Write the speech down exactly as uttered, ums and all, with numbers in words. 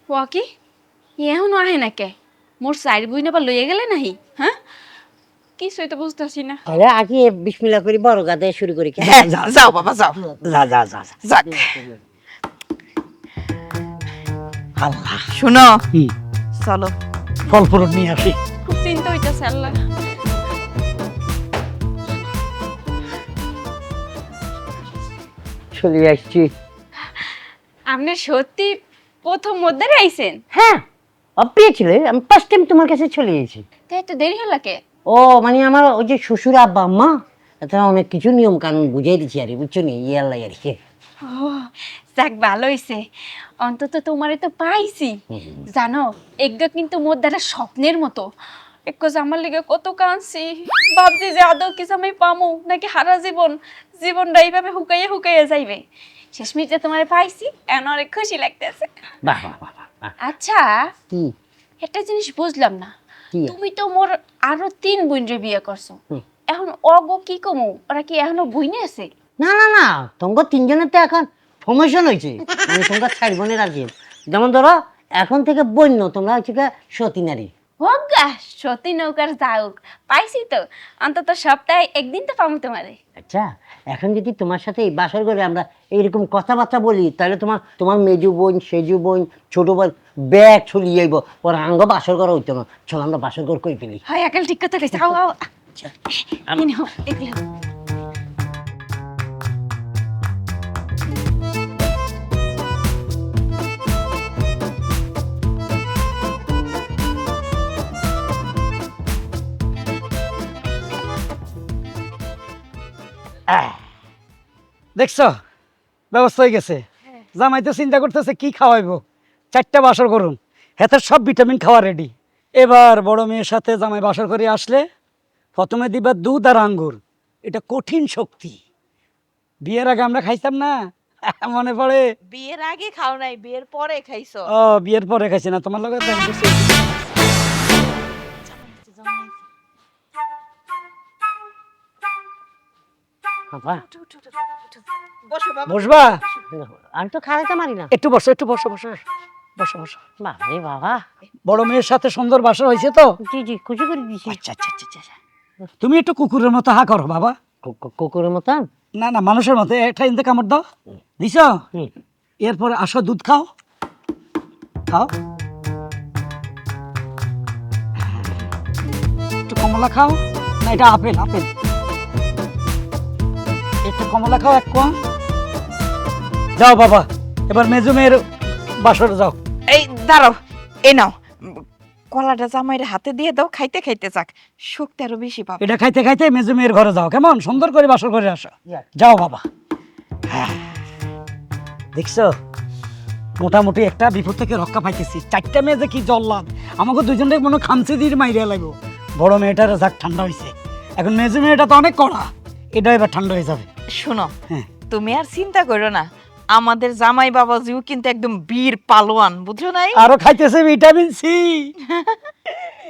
ওয়া কি এখনো আহে না কে? মোর সাইড বই না বা লইয়া গেলে নাহি? হ্যাঁ, কিছুই তো বুঝতেছি না। তাহলে আগে বিসমিল্লাহ করি বড় গাদে শুরু করি। হ্যাঁ যাও বাবা যাও, যা যা যা যা। যাক। আল্লাহ শুনো, চলো ফল ফ্রুট নিয়ে আসি। খুব চিন্তা হইতাছে আল্লাহ। চলে আসছি। আপনি সত্যি প্রথম মধ্যে আইছেন? হ্যাঁ, অপ্রিয় ছিল, আমি ফার্স্ট টাইম তোমার কাছে চলে এসেছি। তাই তো দেরি হলো কে? ও মানে আমার ওই যে শ্বশুর আব্বা আম্মা তারা অনেক কিছু নিয়ম কানুন বুঝিয়ে দিচ্ছি আর বুঝছো নি, ইয়ে আল্লাহ আর কি। ও যাক, ভালো হইছে, অন্তত তোমারে তো পাইছি। জানো, এগুলো কিন্তু মোর দ্বারা স্বপ্নের মতো। একজ আমার লিগে কত কাঁদছি, ভাবছি যে আদৌ কিছু আমি পামু নাকি হারা জীবন জীবনটা এইভাবে হুকাইয়া হুকাইয়া যাইবে। শেষমেশ যে তোমারে পাইছি, এখন অনেক খুশি লাগতেছে। বাহ বাহ বাহ বাহ, বাহ। আচ্ছা, কি একটা জিনিস বুঝলাম না, কি? তুমি তো মোর আরো তিন বোনরে বিয়ে করছো, হুম। এখন অগো কি কমু? ওরা কি এখনো বইনে আছে? না না না, তোমার তিনজনের তো এখন প্রমোশন হয়েছে, মানে তোমরা চার বোনের আর কি। যেমন ধরো এখন থেকে বন্য তোমরা হচ্ছে গিয়ে সতী নারী। হোক গা সতী নৌকার যাওক, পাইছি তো, অন্তত সপ্তাহে একদিন তো পাবো তোমারে। আচ্ছা, এখন যদি তোমার সাথে এই বাসর করে আমরা এইরকম কথাবার্তা বলি, তাহলে তোমার তোমার মেজু বোন, সেজু বোন, ছোট বোন ব্যাগ ছড়িয়ে যাইব, ওরা আঙ্গ বাসর করা হইতো না। চল আমরা বাসর ঘর করে ফেলি। হয় একাল ঠিক কথা কইছে। আও আও আম- ইনি হো এগুলো। আহ, দেখছো, ব্যবস্থা হয়ে গেছে। জামাই তো চিন্তা করতেছে কি খাওয়াইবো, চারটা বাসর করুন, হেতের সব ভিটামিন খাওয়া রেডি। এবার বড় মেয়ের সাথে জামাই বাসর করে আসলে প্রথমে দিবা দুধ আর আঙ্গুর, এটা কঠিন শক্তি। বিয়ের আগে আমরা খাইতাম না, মনে পড়ে? বিয়ের আগে খাও নাই, বিয়ের পরে খাইছো। ও বিয়ের পরে খাইছি না, তোমার লগে দেখা করছি। বাবা, বসো বাবা। বসবা? আমি তো খাওয়াইতে পারি না। একটু বসো, একটু বসো বসো বসো বসো। বাবা রে বাবা, বড় মেয়ের সাথে সুন্দর বাসর হয়েছে তো? জি জি, খুশি করে দিছি। আচ্ছা আচ্ছা আচ্ছা আচ্ছা। তুমি একটু কুকুরের মতো হা করো বাবা। কু- কু- কুকুরের মতন। না না, মানুষের মতো একটা ইন্দে কামড় দাও, দিছ? হুম। এরপরে আসো দুধ খাও, খাও একটু কমলা খাও। না এটা আপেল, আপেল। একটু কমলা খাও এক কোয়া। যাও বাবা, এবার মেজো মেয়ের বাসরে যাও। এই দাঁড়াও, এই নাও কলাটা জামাইয়ের হাতে দিয়ে দাও, খাইতে খাইতে যাক, শক্তি আরো বেশি পাবে। এটা খাইতে খাইতে মেজো মেয়ের ঘরে যাও, কেমন? সুন্দর করে বাসর করে আসো। যাও বাবা। হ্যাঁ, দেখছো মোটামুটি একটা বিপদ থেকে রক্ষা পাইতেছি। চারটা মেয়ে যে কি জল্লাদ, আমাকে দুজনকে মনে খামচি দিয়ে মাইরিয়া লাগবো। বড় মেয়েটার যাক ঠান্ডা হয়েছে, এখন মেজো মেয়েটা তো অনেক কড়া, এটা এবার ঠান্ডা হয়ে যাবে। শোনো, হ্যাঁ। তুমি আর চিন্তা করো না, আমাদের জামাই বাবাজিও কিন্তু একদম বীর পালোয়ান, বুঝছো নাই? আরো খাইতেছে ভিটামিন সি।